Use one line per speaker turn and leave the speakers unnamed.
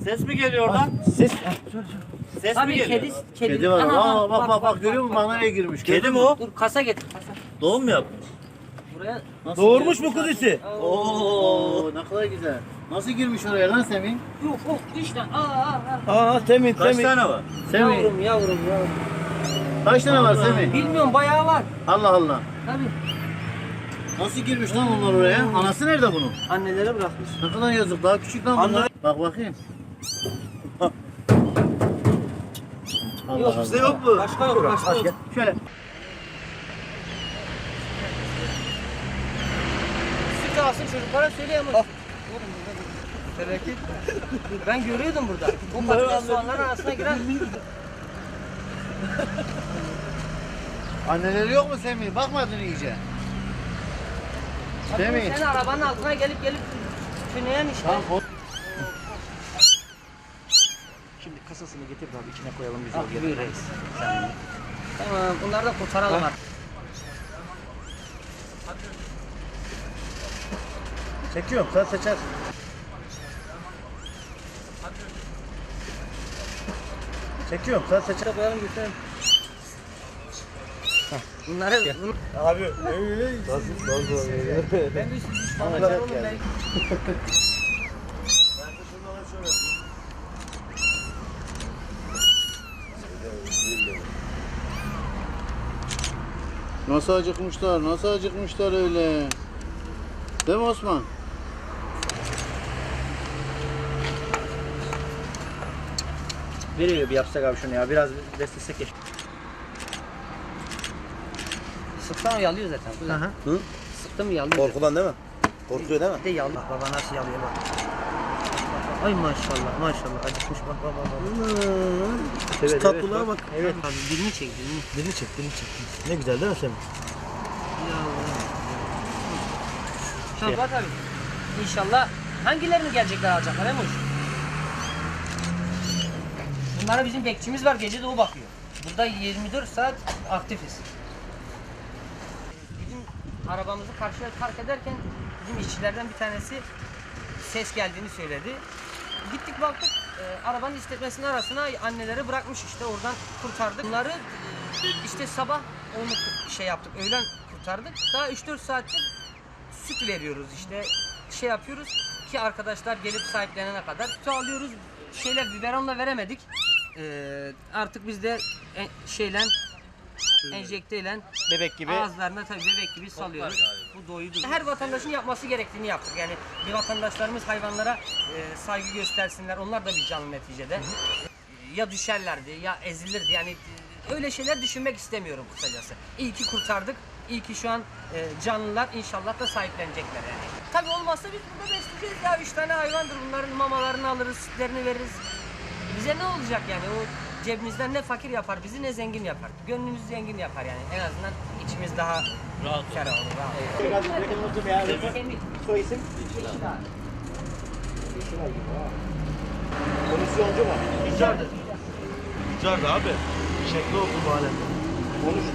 Ses mi geliyor oradan?
Ses.
Ses mi
Tabii
geliyor?
kedi
var.
Aha,
Aa, bak görüyor musun? Bak nereye girmiş.
Kedi mi o? Dur kasa getir kasa.
Doğum mu yapmış?
Buraya
Doğurmuş mu kudisi?
Oo, ne kadar güzel. Nasıl girmiş oraya lan Semih?
yok yok işte. Aa.
Temin
Kaç tane var?
Yavrum
Semih.
yavrum.
Kaç tane var Semih?
Bilmiyorum bayağı var.
Allah Allah.
Tabii.
Nasıl girmiş lan onlar oraya? Anası nerede bunun?
Annelere bırakmış.
Ne kadar yazık. Daha küçük lan bunlar. Bak bakayım. Allah
Yok
Allah.
bizde yok mu? Başka yok başka yok.
Şöyle.
Süt alsın çocuklara söyleyemem. Tevekkül. Ben görüyordum burada. O patates soğanların arasına giren.
Anneleri yok mu Semih? Bakmadın iyice. Semih.
Sen arabanın altına gelip tüneyen işte.
Tamam.
Şimdi kasasını getir abi içine koyalım biz
Ah, buyur reis. Tamam bunları da kurtaralım artık.
Çekiyorum sen seçersin. Çekiyorum sen seçer.
Koyalım götürelim. Bunları
Abi nasıl?
ben de düşmanlar oğlum ben.
Nasıl acıkmışlar, nasıl acıkmışlar öyle. Değil mi Osman?
Veriyor bir yapsak abi şunu ya biraz beslesek ya.
Sıktan yalıyor zaten.
Hı?
Sıktım yalıyor.
Korkudan değil mi? Korkuyor değil mi?
De yalıyor.
Baba nasıl yalıyor bak.
Ay maşallah acıkmış bak.
Şu tatlılığa bak.
Evet abi dilini çek dilini.
Dilini çek. Ne güzel değil mi Semih?
Şabat abi. İnşallah hangilerini gelecekler alacaklar Emoş? Bunlara bizim bekçimiz var gece de o bakıyor. Burada 24 saat aktifiz. Bizim arabamızı karşıya park ederken bizim işçilerden bir tanesi ses geldiğini söyledi. Gittik baktık arabanın istetmesinin arasına anneleri bırakmış işte oradan kurtardık. Bunları işte sabah onu şey yaptık öğlen kurtardık. Daha 3-4 saattir süt veriyoruz işte şey yapıyoruz ki arkadaşlar gelip sahiplenene kadar sütü alıyoruz. Biberonla veremedik. Artık biz de enjekteyle
Bebek gibi.
ağızlarına tabii bebek gibi salıyoruz. Bu doyudur. Her vatandaşın yapması gerektiğini yaptık. Yani bir vatandaşlarımız hayvanlara saygı göstersinler. Onlar da bir canlı neticede. Ya düşerlerdi ya ezilirdi. Yani öyle şeyler düşünmek istemiyorum kısacası. İyi ki kurtardık. İyi ki şu an canlılar inşallah da sahiplenecekler yani. Tabii olmazsa biz burada besleyeceğiz ya. 3 tane hayvandır. Bunların mamalarını alırız, sütlerini veririz. Bize ne olacak yani? O cebimizden ne fakir yapar bizi ne zengin yapar. Gönlümüzü zengin yapar yani. En azından içimiz daha rahat ferah olur. Rahat.
Soy isim? Komisyoncu mu?
Ricardır.
Ricardo abi. Şekli oldu bu alem. Konuş.